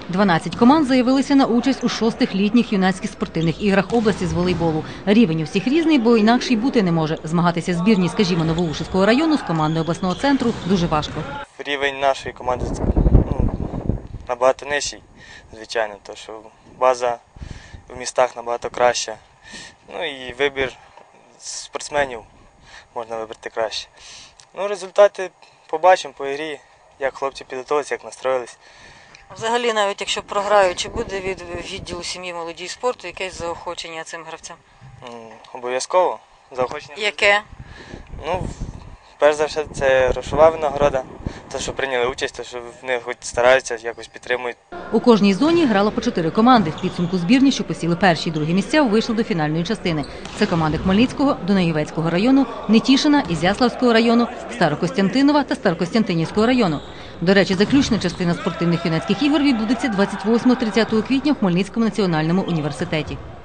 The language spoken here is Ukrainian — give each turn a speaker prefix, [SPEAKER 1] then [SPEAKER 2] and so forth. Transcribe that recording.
[SPEAKER 1] 12 команд заявилися на участь у 6-х літніх юнацьких спортивних іграх області з волейболу. Рівень у всіх різний, бо інакше й бути не може. Змагатися збірній, скажімо, Новоушицького району з командою обласного центру дуже важко.
[SPEAKER 2] Рівень нашої команди набагато нижчий, звичайно, тому що база в містах набагато краща. Ну і вибір спортсменів можна вибрати краще. Ну, результати побачимо по грі, як хлопці підготувалися, як настроїлись.
[SPEAKER 3] Взагалі, навіть якщо програють, чи буде від відділу сім'ї, молоді і спорту якесь заохочення цим гравцям?
[SPEAKER 2] Обов'язково. Заохочення.
[SPEAKER 3] Яке?
[SPEAKER 2] Ну, перш за все, це грошова винагорода. Те, що прийняли участь, те, що вони хоч стараються, якось підтримують.
[SPEAKER 1] У кожній зоні грало по 4 команди. В підсумку збірні, що посіли перші і другі місця, вийшли до фінальної частини. Це команди Хмельницького, Дунаєвецького району, Нетішина, Ізяславського району, Старокостянтинова та Старокостянтинівського району. До речі, заключна частина спортивних юнацьких ігор відбудеться 28-30 квітня в Хмельницькому національному університеті.